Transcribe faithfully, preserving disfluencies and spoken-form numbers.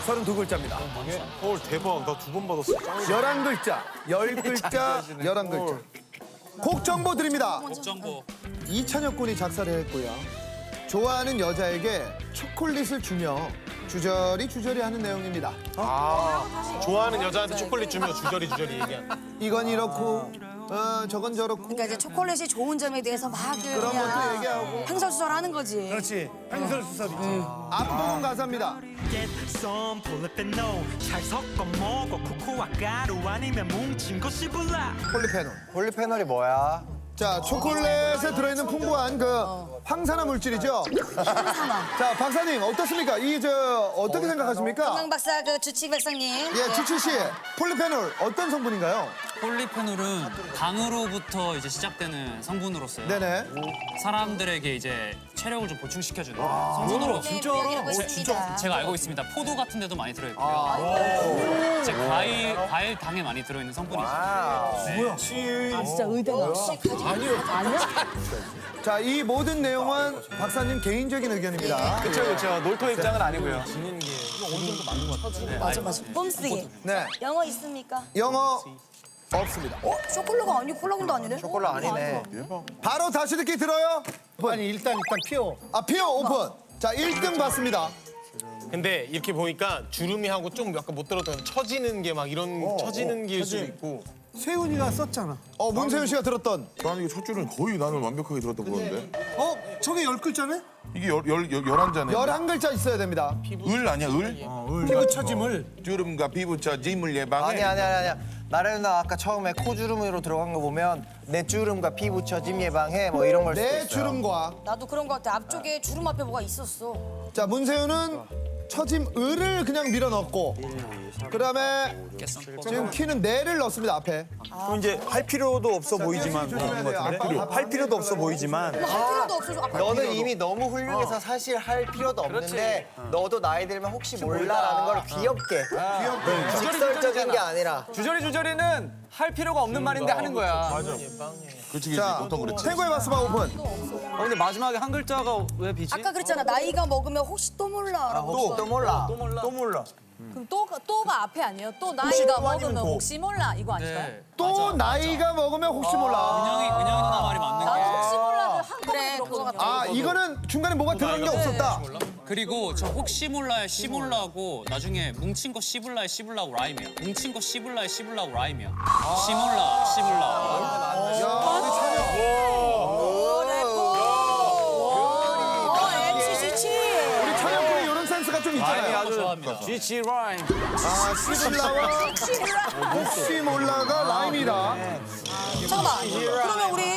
서른두 글자입니다. 헐 대박. 나 두 번 받았어. 열한 글자, 열 글자, 열한 글자. 곡 정보 드립니다. 곡 정보. 이찬혁 군이 작사를 했고요. 좋아하는 여자에게 초콜릿을 주며 주저리 주저리 하는 내용입니다. 아, 좋아하는 여자한테 초콜릿 주면 주저리 주저리 얘기한. 이건 이렇고 어, 저건 저렇고 그러니까 이제 초콜릿이 좋은 점에 대해서 막 그런 것도 얘기하고 횡설수설하는 거지. 그렇지. 횡설수설이지. 앞부분 가사입니다. 썸 폴리페놀 잘 섞어 먹어 코코아 가루 아니면 뭉친 거 씹을라 폴리페놀. 폴리페놀이 뭐야? 자, 초콜릿에 들어있는 풍부한 그 황산화 물질이죠. 항산화. 자, 박사님 어떻습니까? 이 저 어떻게 생각하십니까? 건강 박사 그 주치 박사님. 예, 주치 씨, 폴리페놀 어떤 성분인가요? 폴리페놀은 당으로부터 이제 시작되는 성분으로서요. 네네. 사람들에게 이제 체력을 좀 보충시켜주는 성분으로. 진짜? 진짜. 제가 알고 있습니다. 포도 같은 데도 많이 들어있고요. 이제 과일, 과일 당에 많이 들어있는 성분이죠. 네. 진짜 의대가. 자, 이 모든 내용은 박사님 개인적인 의견입니다. 그렇죠 그렇죠. 놀토 입장은 아니고요. 맞아 맞아. 뽐쓰기. 네, 영어 있습니까? 영어 없습니다. 어? 초콜릿가 아니고 콜라군도 아니네? 초콜릿 아니네. 바로 다시 듣기 들어요. 아니 일단 일단 피워. 아, 피어 오픈. 자, 일 등 봤습니다. 근데 이렇게 보니까 주름이하고 좀 약간 못 들었던 처지는 게 막 이런 처지는 게일 수도 처지. 있고. 세훈이가 썼잖아. 어, 문세윤 씨가 들었던. 나는 이게 첫 줄은 거의 나는 완벽하게 들었던 건데. 어? 저게 열 글자네? 이게 열, 열, 열, 열한 잔에. 열한 글자 있어야 됩니다. 을 아니야, 을? 피부 처짐을. 주름과 피부처 짐을 예방해. 아니 아니 아니 아니. 나래 누나 아까 처음에 코주름으로 들어간 거 보면 내 주름과 피부 처짐 예방해 뭐 이런 걸 수도 내 있어요. 주름과. 나도 그런 거 같아. 앞쪽에 주름 앞에 뭐가 있었어. 자, 문세윤은 처짐 을을 그냥 밀어 넣었고. 그다음에 지금 키는 내를 넣습니다, 앞에. 그럼 이제 할 필요도 없어 보이지만 조심해야 돼요. 앞- 할 필요도 없어 보이지만 할 필요도 없어. 앞에 너는 이미 너무 훌륭해서 사실 할 필요도 없는데 너도 나이 들면 혹시 몰라라는 걸 귀엽게 귀엽게 직설적인 게 아니라 주저리 주저리는 할 필요가 없는 말인데 하는 거야. 그렇지, 그렇지. 자, 보통 그렇지. 최고의 바스바 오픈. 어, 근데 마지막에 한 글자가 왜 비지? 아까 그랬잖아. 나이가 먹으면 혹시 또 몰라라고. 혹시 또 몰라. 또 몰라. 그럼 또가, 또가 앞에 아니에요? 또 나이가 먹으면 혹시 몰라 이거 아닐까요? 네. 또 나이가 먹으면 혹시 몰라. 은영이, 은영이 누나 말이 맞는 나도 게. 혹시 몰라를 한꺼번에 그래, 그거 들었거든요. 같아. 아, 이거는 중간에 뭐가 들어간 게 없었다. 그리고 저 혹시 몰라의 시몰라고 나중에 뭉친 거 씹을라의 씹을라고 라임이야. 뭉친 거 씹을라의 씹을라고 라임이야. 시몰라, 씹을라. 어, 엠씨 주치. 우리 찬혁군이 이런 센스가 좀 있잖아요. 아주 좋아합니다. 지치 라임. 아, 시블라와 혹시 몰라가 라임이다. 잠깐만. 그러면 우리